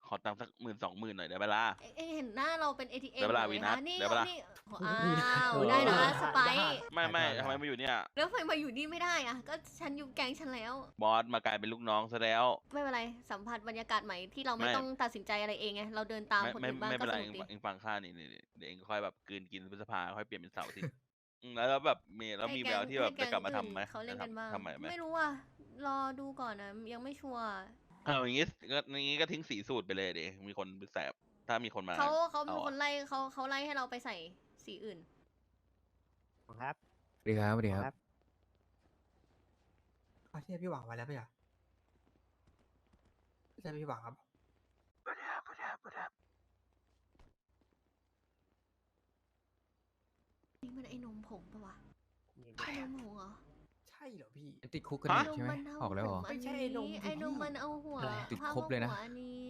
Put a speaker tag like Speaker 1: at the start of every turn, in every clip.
Speaker 1: ขอตังค์สัก10,000 20,000หน่อยได้เวลา
Speaker 2: เอ็งเห็นหน้าเราเป็น ATM
Speaker 1: ได้เวลา
Speaker 2: เลย
Speaker 1: วีนั
Speaker 2: นะ
Speaker 1: ส
Speaker 2: นี่
Speaker 1: ได้เวลา
Speaker 2: นี่อ้าวได้นะสไปซ์
Speaker 1: ไม่ทำไมมาอยู่เนี่ย
Speaker 2: แล้วทำไมมาอยู่นี่ไม่ได้อะก็ฉันอยู่แก๊งฉันแล้ว
Speaker 1: บอสมากลายเป็นลูกน้องซะแล้ว
Speaker 2: ไม่เป็นไรสัมผัสบรรยากาศใหม่ที่เราไม่
Speaker 1: ไม่
Speaker 2: ต้องตัดสินใจอะไรเองไงเราเดินตามคนอื่นบ้าง
Speaker 1: ไม่
Speaker 2: ก็
Speaker 1: เป็น
Speaker 2: ส
Speaker 1: ไร
Speaker 2: นุกดี
Speaker 1: เองฟังข้านี่เดี๋ยวเองค่อยแบบกลืนกินพฤษภาค่อยเปลี่ยนเป็นเสาร์อาที่แล้วแบบมีแววที่แบบจะกลับมาทำไหม
Speaker 2: เขาเล่นกันบ้าง
Speaker 1: ทำใหม่ไหม
Speaker 2: ไม่รู้อ่ะรอดูก่อนนะยังไม่ชัวร์
Speaker 1: เอาอย่างงี้ก็ทิ้งสีสูตรไปเลยเดี๋ยวมีคนแสบถ้ามีคนมา
Speaker 2: เขาเป็น
Speaker 1: เอา
Speaker 2: คนไล่เขาไล่ให้เราไปใส่สีอื่น
Speaker 3: ครับ
Speaker 4: สวัสดีครับสวัสดีครับ
Speaker 3: เอาที่พี่หวังไว้แล้วพี่อ่ะใช่พี่หวังครับ
Speaker 2: นี่มันไอ้นมผงปะวะไอ้นมผงเหรอ
Speaker 3: ใช่เหรอพี่
Speaker 4: ติดคุกกันอยู่ใช่ไหม
Speaker 2: นม
Speaker 4: ออกแล้วเหรอ
Speaker 2: มัน
Speaker 3: ไม่ใช่
Speaker 2: เอา
Speaker 3: ไอ้นม
Speaker 2: ไอ้นม
Speaker 3: พี่
Speaker 2: มันเอาหัว
Speaker 4: ติด
Speaker 2: ผ้า
Speaker 4: ครบเลยนะ
Speaker 2: หัวอันนี้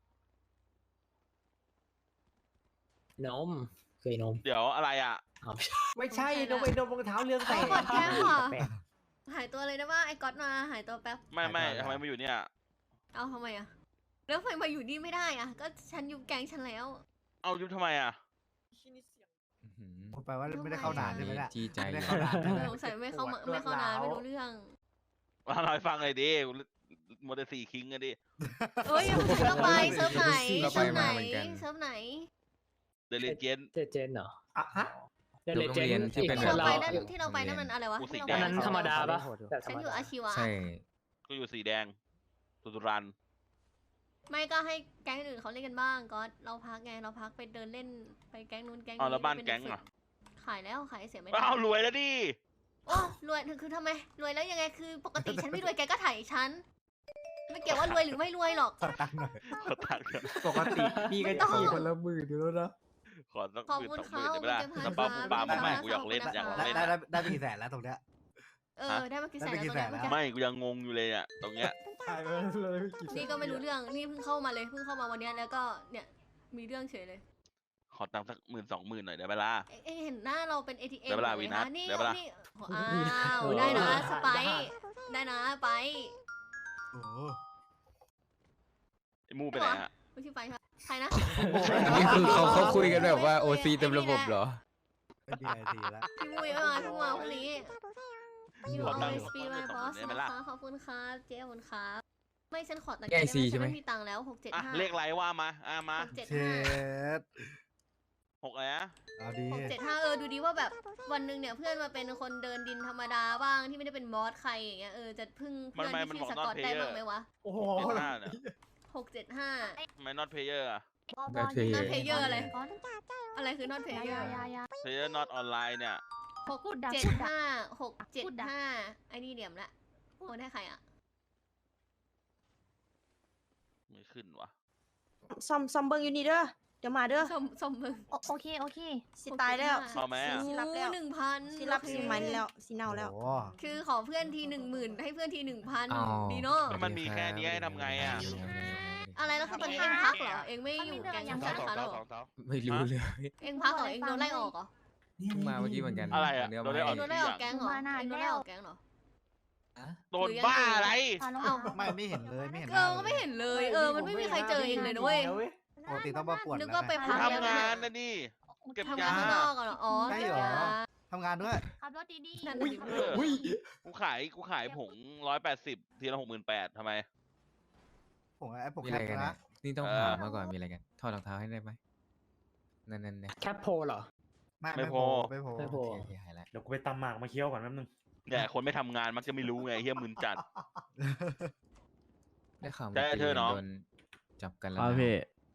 Speaker 5: นมคือนม
Speaker 1: เดี๋ยวอะไรอ่ะ
Speaker 3: ไม่ใช่นมไอ้นมรองเท้าเรื่อง
Speaker 2: เขา
Speaker 3: แต่
Speaker 2: กดแก้มเหรอ
Speaker 5: แปลก
Speaker 2: หายตัวเลยนะว่าไอ้ก๊อตมาหายตัวแป๊บ
Speaker 1: ไม่ทำไมมาอยู่เนี่ย
Speaker 2: เอาทำไมอะแล้วทำไมมาอยู่นี่ไม่ได้อะก็ฉันอยู่แก๊งฉันแล้ว
Speaker 1: เอายุบทำไมอ่ะ
Speaker 4: อื้อหือ
Speaker 3: ผมแปลว่าไม่ได้เข้านานใช่ไหมล่ะ
Speaker 4: จี้ใจ
Speaker 3: ไม่ได้
Speaker 4: เลย
Speaker 3: เข้านานใช่ไหม
Speaker 2: สงสัยไม่เข้ามาไม่เข้านานไม่รู้เรื่อง
Speaker 1: มาหน่อยฟังเลยดิโมเดล4คิงกันดิ
Speaker 2: เอ้ยเซิร์ฟไปเซิร์ฟไหน
Speaker 4: เรา
Speaker 2: เซิ
Speaker 4: ไป
Speaker 2: ร์ฟไหน
Speaker 4: มาเหมือนกัน
Speaker 2: เซิร์ฟไหน
Speaker 1: เดลิเจน
Speaker 5: เจนเหรอ
Speaker 3: อ่ะฮะ
Speaker 5: เด
Speaker 4: โรงเรียนที่เป็น
Speaker 2: ที่เราไป
Speaker 4: แบบ
Speaker 2: นั่นที่เราไปนั่นมันอะไรวะ
Speaker 1: กูสี
Speaker 2: ที่
Speaker 1: แด
Speaker 2: เรา
Speaker 1: ง
Speaker 2: ไป
Speaker 5: อันนั้นธรรมดาปะแบบธร
Speaker 2: ฉัน
Speaker 5: รม
Speaker 2: อยู่
Speaker 5: ดา
Speaker 2: อาชีวะ
Speaker 4: ใช่
Speaker 1: ก็อยู่สีแดงตุรัน
Speaker 2: ไม่ก็ให้แก๊งอื่นเขาเล่นกันบ้างก็เราพักไงเราพักไปเดินเล่นไปแก๊งนู้นแก๊ง
Speaker 1: เอา
Speaker 2: นี้
Speaker 1: แล้วบ้าน
Speaker 2: เป็
Speaker 1: แก๊ง
Speaker 2: เด็
Speaker 1: อ่ะ
Speaker 2: ฝึขายแล้วขายเสียไม่ได้
Speaker 1: อ้าวรวยแล้วดิ
Speaker 2: โอ้รวยคือทำไมรวยแล้วยังไงคือปกติฉันไม่รวยแกก็ถ่ายฉันไม่เกี่ยวว่ารวยหรือไม่รวยหรอก
Speaker 3: ขอตังค์หน่อย
Speaker 1: ขอตังค์ก่อน
Speaker 3: ปกติพี่ก็
Speaker 2: ไม่ต้อง
Speaker 3: ขี่คนละหมื่นอยู่แล้วนะ
Speaker 1: ขอสัก
Speaker 2: ขอบ
Speaker 1: 10,000
Speaker 2: คุณ
Speaker 1: 20,000ได้ไหมล่ะ
Speaker 2: เขา
Speaker 1: สปา
Speaker 2: ขอบคุณ
Speaker 1: ปา
Speaker 2: ครับ
Speaker 1: ไม่กูอยากเล่น
Speaker 2: ขอบคุณ
Speaker 1: อยากลอง
Speaker 2: ครับ
Speaker 1: เล่น
Speaker 3: ได้
Speaker 1: อะ
Speaker 3: ได้ไปกี่แสนแล้วตรงเนี้ย
Speaker 2: ได้มากี่แสน
Speaker 3: ได้ไปกี่
Speaker 2: แล้ว
Speaker 3: แสนแล้ว
Speaker 2: ตอน
Speaker 1: ไม่
Speaker 2: เนี้ย
Speaker 1: กูยังงงอยู่เลยอ่ะตรงเนี้ย
Speaker 3: ใช่เลยกี่แส
Speaker 2: นี่ก็ไม่รู้เรื่องนี่เพิ่งเข้ามาเลยเพิ่งเข้ามาวันเนี้ยแล้วก็เนี่ยมีเรื่องเฉยเลย
Speaker 1: ขอตังค์สัก10,000 20,000หน่อยได้เวลา
Speaker 2: เอ็งเห็นหน้าเราเป็น ATM
Speaker 1: ได้เวลา
Speaker 2: เลย
Speaker 1: วีนัส
Speaker 2: นี่
Speaker 1: ได้เวลา
Speaker 2: นี่อ้าวได้นะสไปซ์ได้นะไป
Speaker 3: โอ้โห
Speaker 1: ไอ้มูไปไหนอ่ะ
Speaker 2: ไม่ใช่ไปครับใครนะ
Speaker 4: นี่คือเขาคุยกันแบบว่าโอซีเต็มระบบเหรอ
Speaker 3: เป็นดีไอทีแล้ว
Speaker 2: พี่มุ้ยไม่มาเพิ่งมาพรุ่งนี้ You
Speaker 1: ขอตังค์
Speaker 2: always be my boss
Speaker 1: ได้ไหม
Speaker 2: นะ
Speaker 1: ล่ะ
Speaker 2: คะขอบคุณครับเจ๊ขอบคุณครับไม่ฉันขอตังค์
Speaker 4: แก้
Speaker 2: ได้
Speaker 4: ซีใช่ไหม
Speaker 2: ฉันไม่มีตังค์แล้ว675
Speaker 1: อ่ะเลขไรว่ามามา
Speaker 3: เช็ด
Speaker 1: 6อะไรนะ
Speaker 3: เอาดี
Speaker 2: 675ดูดีว่าแบบวันหนึ่งเนี่ยเพื่อนมาเป็นคนเดินดินธรรมดาบ้างที่ไม่ได้เป็นบอสใครอย่างเงี้ยจะพึ่งเพื่อนที่ชื่อสกอตได้บ้างไหมวะ
Speaker 3: โอ้โห
Speaker 1: 75เนี่ย
Speaker 2: 675
Speaker 1: ทำไม not player อ่ะ
Speaker 4: ได้เพย์
Speaker 2: not player อะไรอะไรคือ not player
Speaker 1: player not online เนี่ย
Speaker 2: 675ไอ้นี่เหลี่ยมละโอนให้ใครอ่ะ
Speaker 1: ไม่ขึ้นวะ
Speaker 6: ซอมเบิงอยู่นี่เด้อ เดี๋ยวมาเด้อ
Speaker 2: สมมึง
Speaker 7: โอเค โอเค
Speaker 6: สิตายแล้ว
Speaker 1: เอาไหมอ่ะ
Speaker 6: สิรับแล้ว
Speaker 2: 1,000
Speaker 6: สิรับสิมันแล้วสิเน่าแล้ว
Speaker 3: โอ้โห
Speaker 2: คือขอเพื่อนที10,000ให้เพื่อนที
Speaker 4: อ๋อ
Speaker 2: 1,000ดีเนาะ
Speaker 1: มันมีแค่นี้ให้ทำไงอ่ะ
Speaker 2: อะไรแล้วคือตอนนี้เองพักเหรอเองไม่อยู่แก๊งธนาคารแล้วเหรอ
Speaker 4: ไม่รู้เลย
Speaker 2: เองพักเหรอเองโดนไล่ออกเหรอ
Speaker 4: เพิ่งมาเมื่อกี้เหมือนกัน
Speaker 1: อะไรอะ
Speaker 4: เนื้อ
Speaker 1: โดนไล่
Speaker 4: ไม้
Speaker 1: ออก
Speaker 2: โดนไล่ออกแก๊งเหรอเองโดนไล่ออกแก๊งเหรอ
Speaker 1: โดนบ้าอะไร
Speaker 2: เอ้า
Speaker 3: ไม่เห็นเลยไม่เห็น
Speaker 2: ก็ไม่เห็นเลยมันไม่มีใครเจอเองเลยนะเว้ย
Speaker 3: ปกติต้องมาปวด
Speaker 2: นึก
Speaker 3: แล้ว
Speaker 2: ว่าไปพักแล้ว
Speaker 1: ทำ
Speaker 2: นะ
Speaker 1: งานนะนี่ เก็บ
Speaker 2: ทำ
Speaker 1: ยาง
Speaker 2: านข้างนอกเหรออ๋อ
Speaker 3: ใช่เหรอทำงานด้วย
Speaker 7: ขับรถดี
Speaker 2: นั่นน่ะสิ
Speaker 3: อุ้ย
Speaker 1: กูขายผง180ทีละ68,000ทำไม
Speaker 3: ผมไอ้ผม
Speaker 4: มีอะไรกัน
Speaker 3: นะ
Speaker 4: นะนี่ต้องถามมาก่อนมีอะไรกันถอดรองเท้าให้ได้ไหมนั่นเนี่ย
Speaker 5: แคปโพลเหรอ
Speaker 3: ไม่พอไม่พอ
Speaker 5: ไม่พอ
Speaker 4: โอเคหายแล้ว
Speaker 8: เดี๋ยวกูไปตำหมากมาเคี้ยวก่อนแป๊บนึง
Speaker 1: แต่คนไม่ทำงานมักจะไม่รู้ไงเฮียมึนจัด
Speaker 4: ได้ข่าว
Speaker 1: ได้เธอเนอะ
Speaker 4: โดนจับกันแล้ว
Speaker 9: ครับ
Speaker 4: นะ
Speaker 9: พี่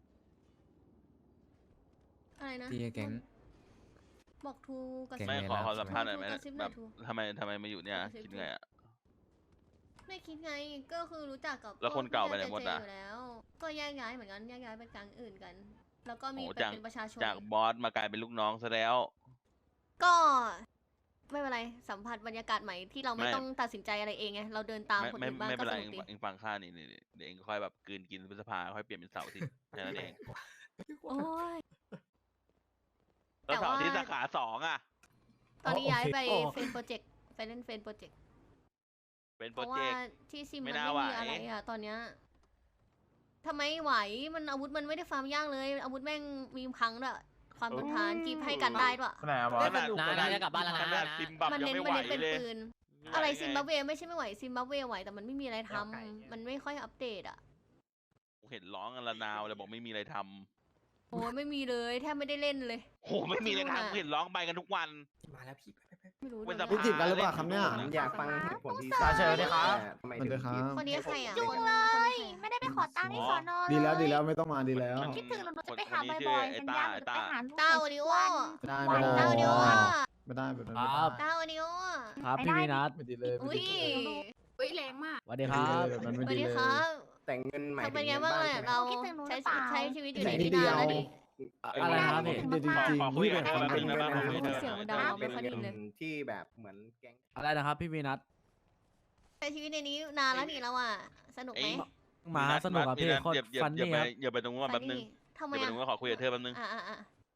Speaker 2: อะไรนะ
Speaker 4: ที่แก๊ง
Speaker 2: บอกทูกับ
Speaker 4: แก๊ง
Speaker 1: ไม่
Speaker 4: ใน
Speaker 1: ขอ
Speaker 4: ลาบ
Speaker 1: สัมภาษณ์หน่อยไหม
Speaker 2: กระซิบห
Speaker 1: แบ
Speaker 2: น่อย
Speaker 1: บ
Speaker 2: ทู
Speaker 1: ทำไมมาอยู่เนี่ยคิดไงอ่ะ
Speaker 2: ไม่คิดไงก็คือรู้จักกับ
Speaker 1: แล้วคนเก่าไปไหนหมดอะ
Speaker 2: เจอยู่แล้ว ก็แยกย้ายเหมือนกันแยกย้ายไปกลางอื่นกัน แล้วก็มี
Speaker 1: โอ้
Speaker 2: ไป
Speaker 1: จาก
Speaker 2: เป็นประชาชน
Speaker 1: จากบอสมากลายเป็นลูกน้องซะแล้ว
Speaker 2: ก็ไม่เป็นไรสัมผัสบรรยากาศใหม่ที่เราไม่
Speaker 1: ไม่
Speaker 2: ต้องตัดสินใจอะไรเองไงเราเดินตามคนอื่นบ้าง
Speaker 1: ไม่
Speaker 2: ก็
Speaker 1: เป็น
Speaker 2: ส
Speaker 1: ไร
Speaker 2: นุกดี
Speaker 1: เองฟังข้านี่เดี๋ยวเองค่อยแบบกลืนกินพฤษภาค่อยเปลี่ยนเป็นเสาร์อาที่แค่นั้นเอง
Speaker 2: โอ้ย
Speaker 1: แล้วเสาร์อาที่
Speaker 2: แต่ว่า
Speaker 1: สาขา2อ่ะ
Speaker 2: ตอนนี้ย้ายไปเฟนโปรเจกต์ไปเล่นเฟนโปรเจกต์
Speaker 1: เป็น
Speaker 2: เพ
Speaker 1: โปร
Speaker 2: ราะ
Speaker 1: เจ
Speaker 2: ว่าก
Speaker 1: ต์
Speaker 2: ที่ซิม
Speaker 1: ไม่
Speaker 2: มัน
Speaker 1: น่า
Speaker 2: ไม่
Speaker 1: ไหว
Speaker 2: มีอะไรอะตอนเนี้ยทำไมไหวมันอาวุธมันไม่ได้ฟาร์มยากเลย อาวุธแม่งมีพังด้วยความทนทานกีบให้กันได้ด้วย
Speaker 7: ไหนอะบอส
Speaker 5: นะจะกลับบ้านแล้วนะ
Speaker 1: ขนาดซิมบับ
Speaker 2: มัน
Speaker 1: ยัง
Speaker 2: เน้น
Speaker 1: ไม่ไหว
Speaker 2: เป็น
Speaker 1: เลย
Speaker 2: ปืน อะไรซิมบับเวไม่ใช่ไม่ไหวซิมบับเวไหวแต่มันไม่มีอะไรทำมันไม่ค่อยอัปเดตอ่ะ
Speaker 1: กูเห็นร้องกันละนาวเลยบอกไม่มีอะไรท
Speaker 2: โอ้ยไม่มีเลยแทบไม่ได้เล่นเลย
Speaker 1: ำโหไม่มีอะไรทำกูเห็นร้องไปกันทุกวัน
Speaker 5: มาแล้วพี่
Speaker 2: ไม่รู้
Speaker 1: เป็น
Speaker 2: เดี๋
Speaker 1: ส
Speaker 2: ยว
Speaker 1: ภา
Speaker 2: นะ
Speaker 9: ติดกันหรือเปล่าครับเนี่ย
Speaker 1: ผม
Speaker 9: อยากฟังเหตุผลที่
Speaker 7: ตาเชิญเลยครับ
Speaker 9: ทำไม
Speaker 4: มันด้วยครับ
Speaker 2: คนนี้ใครอ่ะ
Speaker 6: จุง
Speaker 2: คน
Speaker 6: เลย
Speaker 2: คนนี้ใคร
Speaker 6: ไม่ได้ไปขอตังค์ที่สอนอ
Speaker 9: ดีแล้ว
Speaker 6: เย
Speaker 9: ดีแล้วไม่ต้องมาดีแล้ว
Speaker 1: มัน
Speaker 6: คิดถึงหนูจะไปหา
Speaker 1: คนนี้
Speaker 6: บ่อย
Speaker 1: ชื่อ
Speaker 6: ๆ
Speaker 1: ไอ้
Speaker 6: สัญ
Speaker 1: ต้า
Speaker 6: ญาห
Speaker 1: ไอ้
Speaker 6: นูจะ
Speaker 1: ต้า
Speaker 6: ไปหาลูก
Speaker 2: ต้าโอดิโอ
Speaker 9: ไม่ได้
Speaker 2: ต้า
Speaker 9: ไม่ได้
Speaker 2: โอดิโอ
Speaker 9: ไม่ได้
Speaker 2: ต้าโอดิโอ
Speaker 5: ครับพี่วีนัท
Speaker 9: ไม่ดีเลยไม่
Speaker 2: อุ้ย
Speaker 9: ดีเลย
Speaker 6: อุ้ยแรงมาก
Speaker 5: สวัสดี
Speaker 9: ไม่
Speaker 5: ค
Speaker 9: ดี
Speaker 5: รับ
Speaker 9: เลยแบบนั้น
Speaker 2: ส
Speaker 9: ไม่
Speaker 2: วัส
Speaker 9: ดี
Speaker 2: ดี
Speaker 9: เลย
Speaker 2: ครับ
Speaker 9: แต่งเงินหมาย
Speaker 2: ทำ
Speaker 9: ถึ
Speaker 2: เป็น
Speaker 9: ง
Speaker 2: ไง
Speaker 9: เงิน
Speaker 2: บ้าง
Speaker 9: บ้าน
Speaker 2: เลย
Speaker 9: ใช่ไหม
Speaker 2: เรา
Speaker 6: คิดถึงหนูห
Speaker 2: ใช้
Speaker 6: รือเปล่า
Speaker 2: ใช้ชีวิตอยู่ใน
Speaker 9: แต่
Speaker 2: ที่
Speaker 9: นิด
Speaker 2: นานแล้ว
Speaker 9: เดี
Speaker 2: นี่
Speaker 9: ยว
Speaker 5: อะไรนะครับพี่
Speaker 9: จริงจริง
Speaker 1: ขอคุย
Speaker 9: พี่
Speaker 1: กับ
Speaker 9: แบบ
Speaker 1: เธอ
Speaker 9: เป็น
Speaker 1: แป๊บนึงได้ปะ
Speaker 9: เป็น
Speaker 2: เสียงดังไม่ค่อยได้ยินเลย
Speaker 9: ที่แบบเหมือนแก๊ง
Speaker 5: อะไรนะครับพี่วีนัท
Speaker 2: ใช้ชีวิตในนี้นานแล้วนี่เราอ่ะสนุกไหม
Speaker 5: มาสนุกอ่ะพี่โคตรฟันนี่ครับ
Speaker 1: อย่าไปตรงนู้นก่อนแป๊บนึง
Speaker 2: ทำไม
Speaker 1: อย่าไปต
Speaker 2: อ่ะ
Speaker 1: รงนู้นขอคุยกับเธอแป๊บนึง
Speaker 2: อ่ะ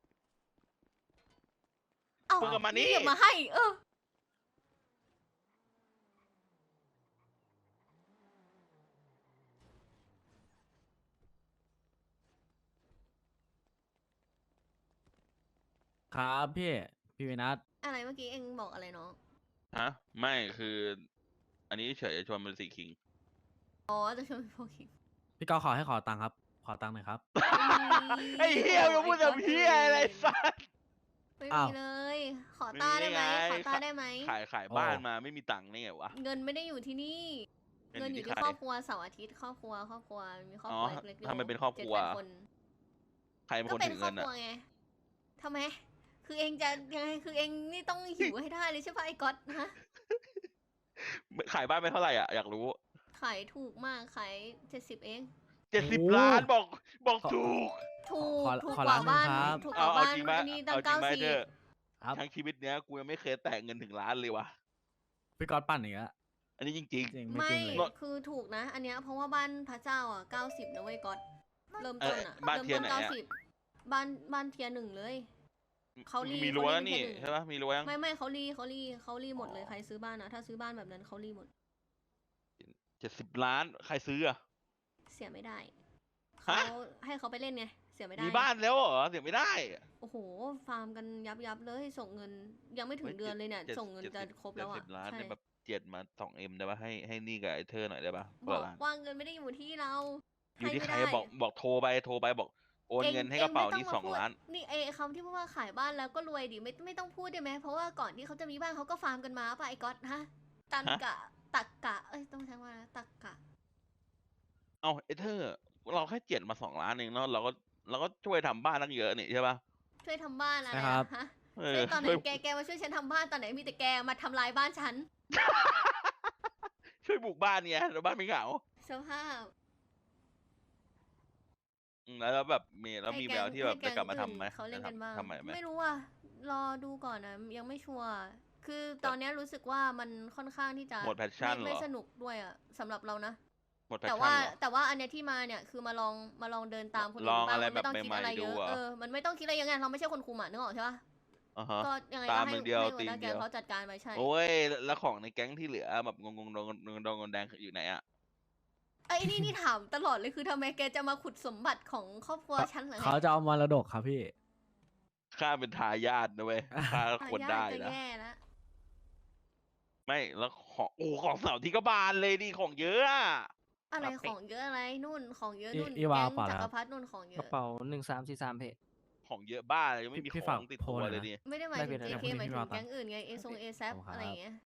Speaker 2: เอ้า
Speaker 1: คุยกับมันนี่
Speaker 2: อย่ามาให้
Speaker 5: ครับพี่วีนัท
Speaker 2: อะไรเมื่อกี้เองบอกอะไรน้อง
Speaker 1: ฮะไม่คือ อันนี้เฉยๆชวนเป็นสีคิง
Speaker 2: อ๋อจะชวนพวกคิง
Speaker 5: พี่ก็ขอตังค์ครับ ขอตังค์หน่อยครับ
Speaker 1: ไอ้เหี้ยมึงพูดแบบเหี้ยอะไรสัส
Speaker 2: ไม่
Speaker 5: อ้า
Speaker 2: มี
Speaker 5: ว
Speaker 2: เลย ขอต้าได้ไหม
Speaker 1: ไม่มีไง
Speaker 2: ขอต้าได้ไหม
Speaker 1: ขายบ้านมาไม่มีตังค์นี่ไงวะ
Speaker 2: เงินไม่ได้อยู่ที่นี่ เงินอยู่ที่
Speaker 1: ใคร
Speaker 2: ครอบครัวเสาร์อาทิตย์ครอบครัวมีครอบครัว
Speaker 1: อ๋อ
Speaker 2: เล็กๆ
Speaker 1: ทำไมเป็นครอบครัว
Speaker 2: 7-8คน
Speaker 1: ใครเป็น
Speaker 2: ก็
Speaker 1: คน
Speaker 2: เป็น
Speaker 1: ถือ
Speaker 2: ครอ
Speaker 1: เงิ
Speaker 2: บ
Speaker 1: น
Speaker 2: ค
Speaker 1: อ่ะ
Speaker 2: รัวไงทำไม คือเองจะยังไงคือเองนี่ต้องหิวให้ได้เลยใช่ปะไอ้ก๊อตฮะ
Speaker 1: ขายบ้านไปเท่าไหร่อ่ะอยากรู้
Speaker 2: ขายถูกมากขาย70เอง
Speaker 1: 70 ล้านบอกถูก
Speaker 2: ถูก
Speaker 5: ขอ
Speaker 2: ถูก
Speaker 5: ขอก
Speaker 2: ว่า
Speaker 5: ล้านหนึ่ง
Speaker 2: บ้าน
Speaker 5: ครับ
Speaker 2: ถูกก
Speaker 1: เอา
Speaker 2: ว่า
Speaker 1: เอา
Speaker 2: บ้าน
Speaker 1: จริงไหม
Speaker 2: อันนี้ตั้
Speaker 1: เอา
Speaker 2: ง
Speaker 1: จริงไหมเธอ
Speaker 5: ครับ
Speaker 1: ทั้งชีวิตเนี้ยกูยังไม่เคยแตะเงินถึงล้านเลยวะ
Speaker 5: พี่ก๊อตปั่นอย่างเงี้ย
Speaker 1: อันนี้จริง
Speaker 5: จริงไม่
Speaker 2: ไม่
Speaker 5: จริงเลย
Speaker 2: คือถูกนะ อันเนี้ยเพราะว่าบ้านพระเจ้าอ่ะ90นะเว้ยก๊อตเริ่มต้นอ่ะ
Speaker 1: บ้าน
Speaker 2: เริ่ม
Speaker 1: เทีย
Speaker 2: ต้
Speaker 1: น
Speaker 2: น
Speaker 1: ไหนอะ
Speaker 2: 90บ้านเทียร์หนึ่งเลย เขารี
Speaker 1: มีรั้วแล้วนี่
Speaker 2: เขารี
Speaker 1: ใช่ปะมีรั้วยัง
Speaker 2: ไม่เขารีหมดเลยใครซื้อบ้านนะถ้าซื้อบ้านแบบนั้นเขารีหมด
Speaker 1: 70 ล้านใครซื้ออ่ะ
Speaker 2: เสียไม่ได้
Speaker 1: ฮะ
Speaker 2: เขาให้เขาไปเล่นไงเสียไม่ได้
Speaker 1: มีบ้านแล้วเหรอเสียไม่ได้
Speaker 2: โอ้โหฟาร์มกันยับเลยส่งเงินยังไม่ถึงเดือนเลยเนี่ยส่งเงินจะครบแล้วอ่ะ
Speaker 1: 70 ล้าน
Speaker 2: ใช่
Speaker 1: เนี่ยแบบเจ็ดมา 2M ได้ปะให้นี่กับไอ้เธอหน่อยได้ปะ
Speaker 2: บอก
Speaker 1: ล้าน
Speaker 2: ว่าเงินไม่ได้อยู่ที่เรา
Speaker 1: อยู่ที่ใคร
Speaker 2: ไม่ได้
Speaker 1: บอกโทรไปบอกโอนเงินให้กระเป๋านี่
Speaker 2: ไม่ต้ม
Speaker 1: 2 ล้าน
Speaker 2: พูดนี่ไอ้คำที่พูดว่าขายบ้านแล้วก็รวยดิไม่ต้องพูดได้ไหมเพราะว่าก่อนที่เขาจะมีบ้านเขาก็ฟาร์มกันมาป่ะไอ้ก๊อตฮะตันกะตักกะเอ้ยต้องใช้ว่าตักกะ
Speaker 1: เอาไอ้เธอเราแค่เจ็ดมา2 ล้านเองเนาะเราก็ช่วยทำบ้านตั้งเยอะนี่ใช่ปะ
Speaker 2: ช่วยทำบ้านอะไร
Speaker 5: ใช่ครับ
Speaker 2: อะฮะ
Speaker 1: เอ
Speaker 2: ช่
Speaker 1: อ
Speaker 2: วยตอนไหน
Speaker 1: ช่วย
Speaker 2: แกมาช่วยฉันทำบ้านตอนไหนมีแต่แกมาทำลายบ้านฉัน
Speaker 1: ช่วยบุกบ้านเนี่ยแล้วบ้านไม่เหงา
Speaker 2: สภาพ
Speaker 1: แล้วแบบมีแววที่แบบ
Speaker 2: ให้
Speaker 1: จะกลับมาทำไหม
Speaker 2: เขาเล่นกันบ้าง
Speaker 1: ทำใหม่ไหม
Speaker 2: ไม่รู้อ่ะรอดูก่อนนะยังไม่ชัวร์คือตอนเนี้ยรู้สึกว่ามันค่อนข้างที่จะ
Speaker 1: หมด passion เหรอ
Speaker 2: ไม่สนุกด้วยอ่ะสำหรับเรานะ
Speaker 1: หมดแพช
Speaker 2: แต่
Speaker 1: ชั่น
Speaker 2: ว่า
Speaker 1: เหรอ
Speaker 2: แต่ว่าอันเนี้ยที่มาเนี่ยคือมาลองเดินตามคน
Speaker 1: ล
Speaker 2: อื่
Speaker 1: อง
Speaker 2: นบ้าง
Speaker 1: อะไร
Speaker 2: มันไม่ต้อง
Speaker 1: แบบ
Speaker 2: คิด
Speaker 1: ใหม่ๆ
Speaker 2: อะไรเย
Speaker 1: ดู
Speaker 2: อะ
Speaker 1: อะ
Speaker 2: มันไม่ต้องคิดอะไรเยอะไงเราไม่ใช่คนคุมอ่ะนึกออกใช่ปะ
Speaker 1: อ่าฮะ
Speaker 2: ก็ยังไง
Speaker 1: ตา
Speaker 2: ก็
Speaker 1: ม
Speaker 2: ให้
Speaker 1: มึงเดียว
Speaker 2: ให้หั
Speaker 1: ตี
Speaker 2: วหน้า
Speaker 1: มึง
Speaker 2: แก
Speaker 1: เดียว
Speaker 2: งเขาจัดการไปใช่
Speaker 1: โอ้ยแล้วของในแก๊งที่เหลือแบบงงแดงอยู่ไหนอะ
Speaker 2: ไอ้นี่ถามตลอดเลยคือทำไมแกจะมาขุดสมบัติของครอบครัวฉันเหรอไง
Speaker 5: เขาจะเอามรดกครับพี่
Speaker 1: ข้าเป็นทายาทนะเว้ยข้าควรได้
Speaker 2: จะ
Speaker 1: นะ
Speaker 2: แย่แล้ว
Speaker 1: ไม่แล้วของเสาที่ก็บานเลยดิของเยอะอะ
Speaker 2: อะไรของเยอะอะไรนู่นของเยอะนู่น
Speaker 5: อีวา
Speaker 2: แก๊ง
Speaker 5: เปล่า
Speaker 2: จัก
Speaker 5: ครั
Speaker 2: ร
Speaker 5: บ
Speaker 2: พรรดินู่นของเย
Speaker 7: กระ
Speaker 2: อะ
Speaker 7: เป๋า1343เพจ
Speaker 1: ของเยอะบ้าเลยยังไม่มี
Speaker 5: พี่
Speaker 1: ข
Speaker 5: ฝา
Speaker 1: อก งติด
Speaker 5: โพ
Speaker 1: ตั
Speaker 5: ส
Speaker 1: ว
Speaker 5: หน่อย
Speaker 1: เลย
Speaker 5: นะ
Speaker 1: ดิ
Speaker 2: ไม่ได้หมายถึง
Speaker 7: ได้
Speaker 2: JK
Speaker 5: พี่
Speaker 2: หมายถึ
Speaker 5: พี่
Speaker 2: ง
Speaker 5: วา
Speaker 2: แก๊งอื่นไงเอซแซ
Speaker 5: ขอบคุณครับ
Speaker 2: อะไรอย่างเงี้ย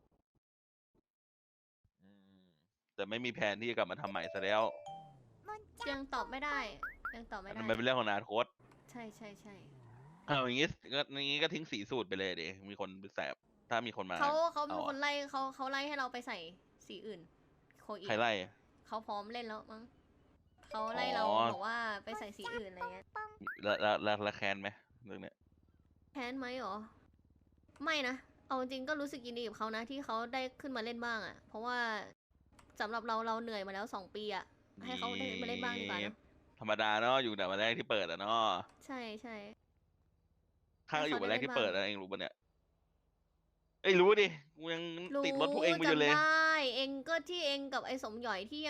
Speaker 1: แต่ไม่มีแผนที่จะกลับมาทำใหม่ซะแล้ว
Speaker 2: ยังตอบไม่ได้ยังตอบไม่ได้
Speaker 1: มันเป็นเรื่องของอนาคต
Speaker 2: ใช่
Speaker 1: เอาอย่างงี้ก็ทิ้งสีสูตรไปเลยดิมีคนไปแสบถ้ามีคนมา
Speaker 2: เขามี
Speaker 1: เอาอะ
Speaker 2: คนไล่เขาไล่ให้เราไปใส่สีอื่นโคอี
Speaker 1: ใครไล่
Speaker 2: เขาพร้อมเล่นแล้วมั้งเขาไล่เรา
Speaker 1: อ๋อ
Speaker 2: บอกว่าไปใส่สีอื่นอะไรเงี้ย
Speaker 1: แล้วแคนไหมเรื่องเนี้ย
Speaker 2: แค้นไหมหรอไม่นะเอาจริงก็รู้สึกยินดีกับเขานะที่เขาได้ขึ้นมาเล่นบ้างอ่ะ เพราะว่าสำหรับเราเหนื่อยมาแล้ว2 ปีอ่ะให้เขาได้มาเล่นบ้างดีกว่านะ
Speaker 1: ธรรมดาเนาะอยู่แต่วันแรกที่เปิดอะเนาะ
Speaker 2: ใช่
Speaker 1: ข้าก็อยู่วันแรก
Speaker 2: ให้
Speaker 1: ที่
Speaker 2: เขาได้
Speaker 1: เปิด
Speaker 2: เล่นบ้าง
Speaker 1: อะเองรู้ปะเนี่ยเอ้ยรู้ดิกูยังติดรถพวกเองไปอยู่เลย
Speaker 2: จำได้เองก็ที่เองกับไอ้สมหยอยที่ยัง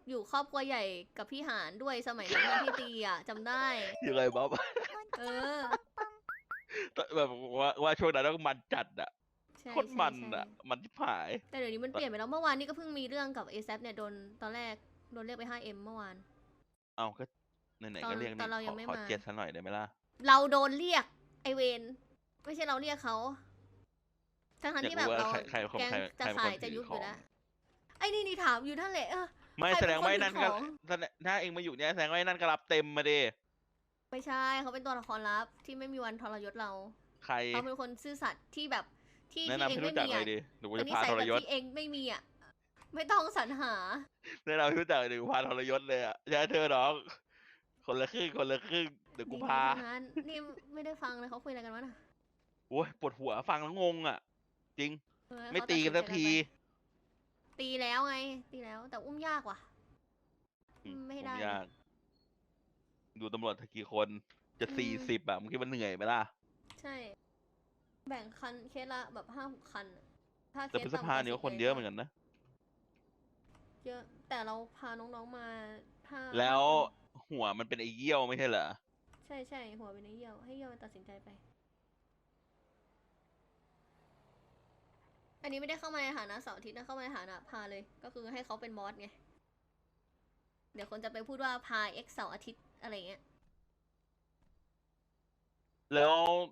Speaker 2: อยู่ครอบครัวใหญ่กับพี่หานด้วยสมัยนั้นนะที่ตีอ่ะจำได้
Speaker 1: ยังไงบ๊อบ
Speaker 2: เออ
Speaker 1: แบบว่าช่วงนั้นต้องมันจัดอะ
Speaker 2: ใช่
Speaker 1: โคตรมัน
Speaker 2: ใช่
Speaker 1: อะ
Speaker 2: ใช่
Speaker 1: มันที่ผาย
Speaker 2: แต่เดี๋ยวนี้มันเปลี่ยนไปแล้วเมื่อวานนี่ก็เพิ่งมีเรื่องกับ ASAP เนี่ยโดนตอนแรกโดนเรียกไป 5M เมื่อวาน
Speaker 1: เอาก็ไหน
Speaker 2: ตอน
Speaker 1: ๆก็เรียก
Speaker 2: ตอ
Speaker 1: นี่
Speaker 2: นเรายังไม่
Speaker 1: ขอ
Speaker 2: มา
Speaker 1: เจ็ดซะหน่อยได้ไหมล่ะ
Speaker 2: เราโดนเรียกไอเวนไม่ใช่เราเรียกเขาทั้ง
Speaker 1: อยาก
Speaker 2: ที่แบบ
Speaker 1: รู้ว่า
Speaker 2: เรา
Speaker 1: ใครเป็นคน
Speaker 2: แก๊ง
Speaker 1: ใคร
Speaker 2: จะ
Speaker 1: เป็น
Speaker 2: ขา
Speaker 1: คน
Speaker 2: ยจะ
Speaker 1: ถือ
Speaker 2: ยุบ
Speaker 1: ข
Speaker 2: อ
Speaker 1: อยู่ ง
Speaker 2: แล้วไอ้นี่ถามอยู่นั่นแหละ
Speaker 1: ไม่
Speaker 2: ใคร
Speaker 1: แส
Speaker 2: เป็
Speaker 1: ด
Speaker 2: น
Speaker 1: ง
Speaker 2: คน
Speaker 1: ว่าไอ้
Speaker 2: ถื
Speaker 1: นั่
Speaker 2: อน ข
Speaker 1: ก็
Speaker 2: อง
Speaker 1: ถ้าเองมาอยู่เนี่ยแสดงว่าไอ้นั่นก็รับเต็มมาดิ
Speaker 2: ไม่ใช่เขาเป็นตัวละครลับที่ไม่มีวันทรยศเรา
Speaker 1: ใคร
Speaker 2: เขาเป็นคนซื่อสัตย์ที่แบบที่
Speaker 1: แนะ
Speaker 2: ที่
Speaker 1: นำ
Speaker 2: เอง
Speaker 1: ให้
Speaker 2: ไม่
Speaker 1: รู้จัก
Speaker 2: มี
Speaker 1: หน่
Speaker 2: อ่ะ
Speaker 1: อยดิหนู
Speaker 2: เป็น
Speaker 1: จะ
Speaker 2: นิ
Speaker 1: พา
Speaker 2: สัย
Speaker 1: ท
Speaker 2: แบ
Speaker 1: ร
Speaker 2: บ
Speaker 1: ยศ
Speaker 2: ที่เองไม่มีอ่ะไม่ต้องสรรหา
Speaker 1: แนะนำให้รู้จักหนึ่งพาทรยศเลยอ่ะใช่เธอน้อง คนละครึ่งคนละครึ่งเดี๋ยวกู
Speaker 2: ดี
Speaker 1: พา
Speaker 2: ๆทั้งนั้นนี่ไม่ได้ฟังเลยเขาคุยอะไรกันวะน่ะ
Speaker 1: โอ้ยปวดหัวฟังแล้วงงอ่ะ จริง
Speaker 2: เออ
Speaker 1: ไม่
Speaker 2: เขา
Speaker 1: ตีกัน
Speaker 2: ตั
Speaker 1: สั
Speaker 2: ด
Speaker 1: ก
Speaker 2: สิ
Speaker 1: ที
Speaker 2: ใจไปตีแล้วไง ตีแล้วแต่อุ้มยากว่ะ ไม่
Speaker 1: ผม
Speaker 2: ได้
Speaker 1: ยาก ดูตำรวจกี่คนจะ
Speaker 2: อืม
Speaker 1: 40อะมึงคิดว่าเหนื่อยไหมล่ะ
Speaker 2: ใช่ แบ่งคันเคสละแบบ5-6 คันอะถ้าเค
Speaker 1: แต่
Speaker 2: ส
Speaker 1: พฤษ
Speaker 2: ต่ำก
Speaker 1: ภา
Speaker 2: ว่า
Speaker 1: เนี่ยก็
Speaker 2: 10
Speaker 1: คนเยอะเหมือนกันนะ
Speaker 2: เยอะ แต่เราพาน้องๆมาห้า
Speaker 1: แล้ว
Speaker 2: 5 คน
Speaker 1: หัวมันเป็นไอ้เยี่ยวไม่ใช่เหรอ
Speaker 2: ใช่ใช่หัวเป็นไอ้เยี่ยว ให้เยี่ยวตัดสินใจไป อันนี้ไม่ได้เข้ามาในฐานะเสาร์อาทิตย์นะเข้ามาในฐานะพาเลย ก็คือให้เขาเป็นบอสไง เดี๋ยวคนจะไปพูดว่าพา X เสาร์อาทิตย์อะไรเงี้ย
Speaker 1: แล้ว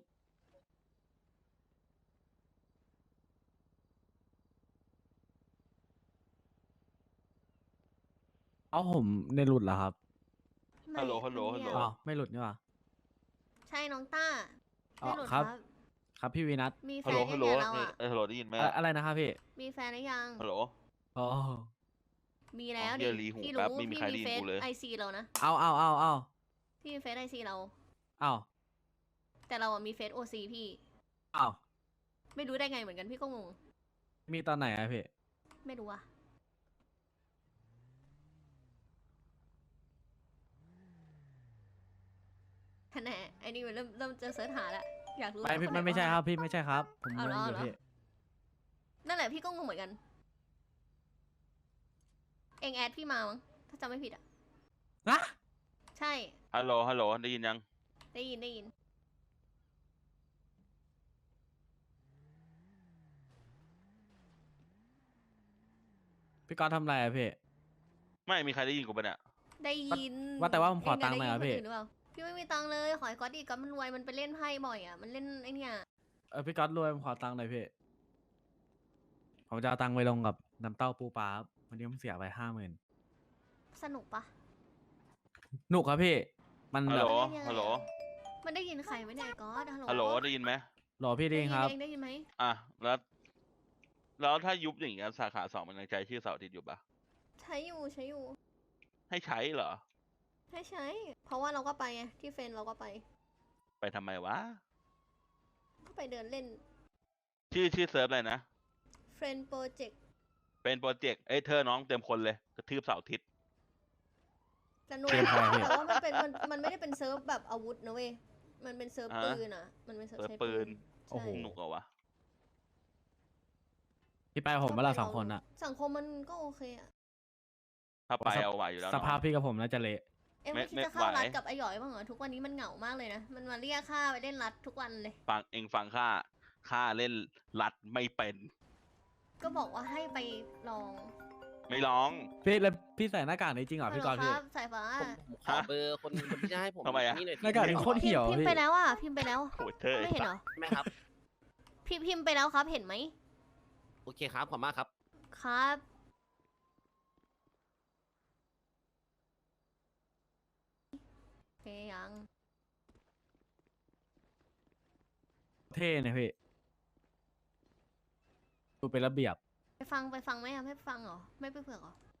Speaker 5: เอาผมในหลุดเหรอครับ
Speaker 1: ฮัลโหล
Speaker 2: ไม่
Speaker 1: ฮัลโหล
Speaker 2: ไม่
Speaker 1: ฮัลโหล
Speaker 2: เงียบ
Speaker 5: อ้าวไม่หลุดนี่หว่า
Speaker 2: ใช่น้องต้า
Speaker 5: อ๋อ
Speaker 2: ไม่หลุด
Speaker 5: ครับ
Speaker 2: ครับ
Speaker 5: ครับพี่วีนัท
Speaker 2: มีแฟ
Speaker 1: ฮัลโหล
Speaker 2: น
Speaker 1: ฮั
Speaker 2: ยั
Speaker 1: ล
Speaker 2: ง
Speaker 1: โหล
Speaker 2: ไงเราอ่ะ
Speaker 1: ฮัลโหลได้ยินไหม
Speaker 5: อะไรนะครับพี่
Speaker 2: มีแฟนหรือยัง
Speaker 1: ฮัลโหล
Speaker 5: อ๋อ
Speaker 2: มีแล้ว
Speaker 1: เหี้
Speaker 2: ดิ
Speaker 1: ยรีหู
Speaker 2: พี่
Speaker 1: แป๊
Speaker 2: รู้
Speaker 1: บไม่มี
Speaker 2: พี่
Speaker 1: ใคร
Speaker 2: มี
Speaker 1: ได้ยิน
Speaker 2: เฟซ
Speaker 1: กูเลย
Speaker 2: ไอซีเรานะ
Speaker 5: เอา
Speaker 2: พี่มีเฟซไอซีเรา
Speaker 5: เอา
Speaker 2: แต่เราอ่ะมีเฟซโอซีพี่
Speaker 5: เอา
Speaker 2: ไม่รู้ได้ไงเหมือนกันพี่ก็งง
Speaker 5: มีตอนไหนอะพี่
Speaker 2: ไม่รู้อ่ะแน่ไอ้นี่มันเริ่มจะเสิร์ชหาแล้วอยากรู้
Speaker 5: ไม่พี่
Speaker 2: ว่า
Speaker 5: มันไม่ใช่
Speaker 2: ว่า
Speaker 5: ครับพี่ไม่ใช่ครับ ผม
Speaker 2: เอา
Speaker 5: ง
Speaker 2: เหรง อ
Speaker 5: อยู่
Speaker 2: เอาเหรอ
Speaker 5: พี่
Speaker 2: นั่นแหละพี่ก็งงเหมือนกัน เองแอดพี่มามั้งถ้าจำไม่ผิดอ่ะ
Speaker 5: นะ
Speaker 2: ใช่
Speaker 1: ฮัลโหล ฮัลโหล ได้ยินยัง
Speaker 2: ได้ยินได้ยิน
Speaker 5: พี่ก๊อตทำอะไรอะพี่
Speaker 1: ไม่มีใครได้ยินกูปะเนี่ย
Speaker 2: ได้ยิน
Speaker 5: ว่าแต่ว่าผมขอ
Speaker 2: เะ
Speaker 5: ตังค์หน่อย
Speaker 2: ได้
Speaker 5: ครับพี่
Speaker 2: นนหรือเปล่าพี่ไม่มีตังค์เลยขอให้ก๊อตดีก๊อตมันรวยมันไปเล่นไพ่บ่อยอ่ะมันเล่นไอเนี่ย
Speaker 5: พี่ก๊อตรวยผมขอตังค์หน่อยพี่ ผมจะเอาตังค์ไปลงกับน้ำเต้าปูปลาครับวันนี้ผมเสียไป50,000
Speaker 2: สนุกปะ
Speaker 5: หนุกครับพี่ มัน
Speaker 1: ฮัล
Speaker 5: แบ
Speaker 1: โหล
Speaker 5: บ
Speaker 1: ฮัลโหล
Speaker 2: มันได้ยินใครไหมเนี่ยไอ้ก๊อตฮัลโหล
Speaker 1: ฮัลโหล ได้ยินไหม
Speaker 5: หรอพี่ดีครับ
Speaker 2: เองได้ยินไหม
Speaker 1: อ่ะ แล้วถ้ายุบอย่างเงี้ยสาขา2มันยังใช้ชื่อเสาร์อาทิตย์อยู่ปะ
Speaker 2: ใช้อยู่ใช้อยู่
Speaker 1: ให้ใช้เหรอ
Speaker 2: ใช้ เพราะว่าเราก็ไปไงที่เฟนเราก็ไป
Speaker 1: ไปทำไมวะ
Speaker 2: ก็ไปเดินเล่น
Speaker 1: ชื่อเซิร์ฟอะไรนะ
Speaker 2: เฟรนโปรเจกต์
Speaker 1: เป็นโปรเจกต์ เอ้ยเธอน้องเต็มคนเลย กระทืบเสาร์อาทิตย์
Speaker 2: สนุก
Speaker 5: เกมอะไรพี่
Speaker 2: แต่ว่ามันไม่ได้เป็นเซิร์ฟแบบอาวุธนะเว้ยมันเป็นเซิร์ฟ
Speaker 1: ฮะ
Speaker 2: ปืนอ่ะมันเป็นเซิร์ฟ
Speaker 1: เซิร์ฟ
Speaker 2: ใช้
Speaker 1: ปืน
Speaker 2: ใช่
Speaker 5: โอ้โห
Speaker 1: สนุกเหรอวะ
Speaker 5: พี่ไปกับผมเวลา2 คนอะ
Speaker 2: สังคมมันก็โอเคอะ
Speaker 1: ถ้าไปเอาไหวอยู่แล้ว
Speaker 5: ส
Speaker 1: เนาะ
Speaker 5: ภาพพี่กับผมน่าจะเละ
Speaker 2: เอ็ม
Speaker 1: ไม่
Speaker 2: ไม่คิดจะ
Speaker 1: ไม่
Speaker 2: เข้า
Speaker 1: ไหว
Speaker 2: รัดกับไอหยอยบ้างเหรอทุกวันนี้มันเหงามากเลยนะมันมาเรียกค่าไปเล่นรัดทุกวันเลย
Speaker 1: ฟังค่าเล่นรัดไม่เป็น
Speaker 2: ก็บอกว่าให้ไปลอง
Speaker 1: ไม่ร้อง
Speaker 5: พี่แล้วพี่ใส่หน้ากากนี้จริงเหรอพี่ก๊อต
Speaker 2: ฮัลโหล
Speaker 5: พี่
Speaker 2: ครับสายฟ้า
Speaker 9: ผมขอเบอร์คนที่จะให้ผม
Speaker 1: ทำไมอะ
Speaker 9: นี่หน่อย
Speaker 5: หน้ากากนี้โคตรเหี่ยว
Speaker 2: พิม
Speaker 5: พี่
Speaker 2: พ์ไปแล้วอ่ะพิมพ์ไปแล้ว
Speaker 1: โหเธอ
Speaker 2: ไม่เห็นเหรอ
Speaker 9: ไหมครับ
Speaker 2: พิมพ์ไปแล้วครับเห็นไหม
Speaker 9: โอเคครับ ขอบมากครับ
Speaker 2: ครับโอเคยัง
Speaker 5: เท่เนี่ยพี่ ดูเป็นระเบียบ
Speaker 2: ไปฟังไหมอ่ะไม่ฟังเหรอไม่ไปเผือกเหรอ